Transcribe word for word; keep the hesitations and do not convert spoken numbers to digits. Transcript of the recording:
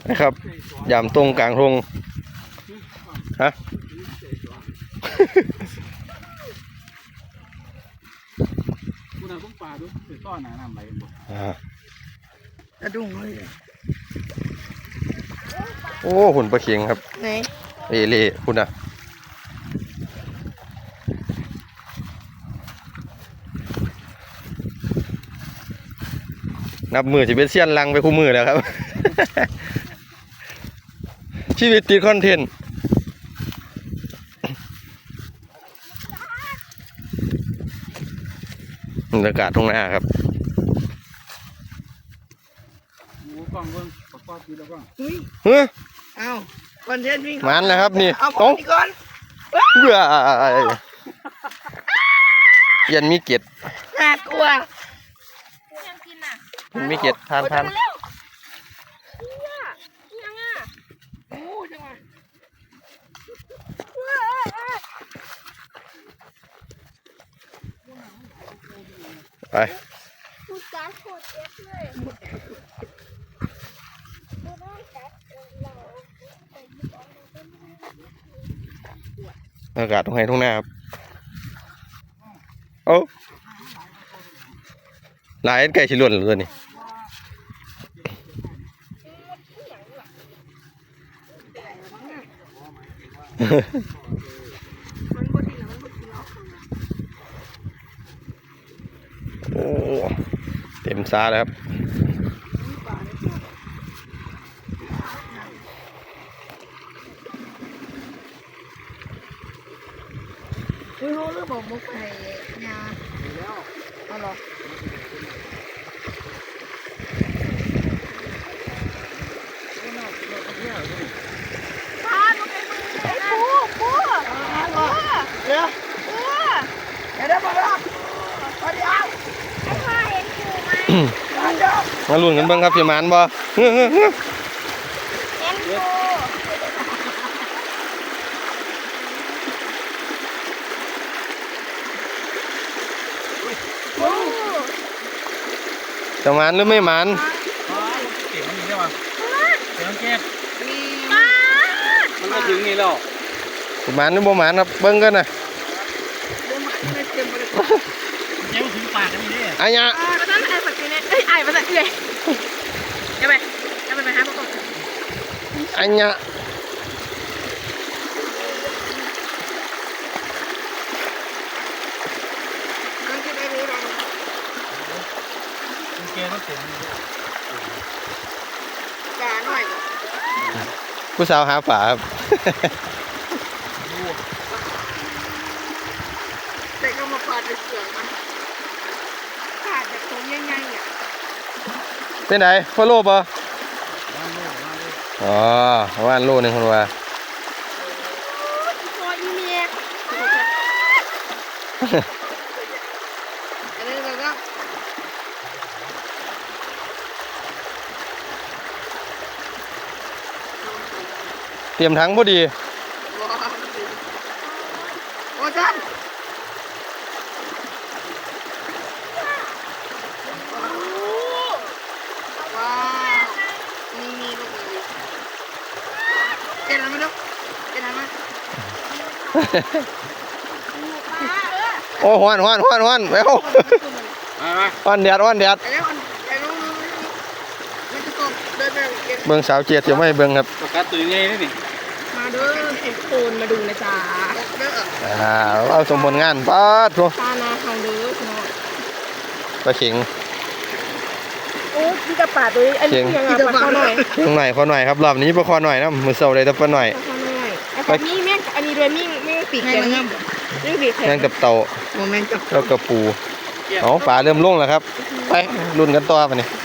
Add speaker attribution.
Speaker 1: นะครับยามตรงกลางทงฮะ
Speaker 2: คุณเอาต้มปลาด้วยเป็นต้อนหนาหนาไหลหมดกระดุงเลย
Speaker 1: โอ้หุ่นปลาเข็งครับไหนเอเล่คุณอ่ะนับมือจะเป็นเสี้ยนลังไปคู่มือแล้วครับ ชีวิตติดคอนเทนต์บรรยากาศตรงหน้าครับ
Speaker 2: กล้องเบิ้งประกอบดีแล้วก็
Speaker 1: เฮ้ย
Speaker 3: เอาคอนเทนต์วิ่ง
Speaker 1: มันแล้วครับนี่
Speaker 3: เอาก่อนก่อน
Speaker 1: เบื่อยันมีเกล็ด
Speaker 3: น่ากลัว
Speaker 1: มันมีเกล็ดทานทานไปอากาศตรงไหนตรงหน้าครับโอ้ลายไก่ชิลวนหรือตัวนี้โอ้เต็มซาแล้วครับ
Speaker 3: ไม่รู้เรื่องบอกมุกไข่ยาเอาหรอพาลูกไปมือไอ้ปูปูเดี๋ยวเดี๋ยวเดี๋ยวมาแล้วมาเดี๋ยวไอ้พ่อเห็นปูไหม
Speaker 1: มาลุ้นกันบ้างครับพี่มานบ่
Speaker 3: เห็นปู
Speaker 1: จะมันหรือไม่มัน
Speaker 2: เก็บมันอยู่ได้ป่ะเก็บมันเก็บมันไม่ถึงนี่แล้ว
Speaker 1: มันหรือบ่มันครับเบิ้งกันนะ
Speaker 2: เจ้าถึงปากกันนี่
Speaker 1: ไอ้ยะ
Speaker 3: ก็ต้องไอ้แบบนี้ไอ้ไอ้ภาษาเลยจะไปจะไปไหมฮะพ่อ
Speaker 1: ไอ้ยะผู้สาวหาฝาครับ
Speaker 3: แต่ก็มาปาดไปเสือกมันขาดแบบตรงง่ายๆอ่ะ
Speaker 1: เป็นไหนพ่อโลป่ะอ๋อว่านโลนึงคนว่า
Speaker 3: พออีเมียอันนี้เราก็
Speaker 1: เตรียมทั้งพอดี
Speaker 3: โอ้จันว้าวนี่มีลูกเลยเจ็ดแล้วมั้ยลูกเจ็ดแล้วมั้ย
Speaker 1: โอ้ฮ้อนฮ้อนฮ้อนฮ้อนไปเอาฮ้อนแดดฮ้อนแดดเบิ้งสาวเจี๊ยบยังไม่เบิ้งครับ
Speaker 2: ประกาศตื่นไงนี่
Speaker 3: มาดูเห็นโคนมาดูนะจ๊ะ
Speaker 1: อ่าเอาสมผลงานป้าทัว
Speaker 3: ตานาทางเด้อคุณน้อง
Speaker 1: ปลาเข็ง
Speaker 3: โอ้พี่กระป๋าตัวนี้อันนี้ยังไงปลาคอหน่อย
Speaker 1: ตรงไหนคอหน่อยครับรอบนี้ปลาคอหน่อยนะมือเสาเลยแต่ปลาหน่อย
Speaker 3: ปลานี่แม่อันนี้ด้วยมิ่งมิ่งปีกแข็งมิ่งปีกแข็ง
Speaker 1: แม่งกับเต่าแล้วกับปูเอาปลาเริ่มลงแล้วครับไปลุ้นกันต่อไปนี่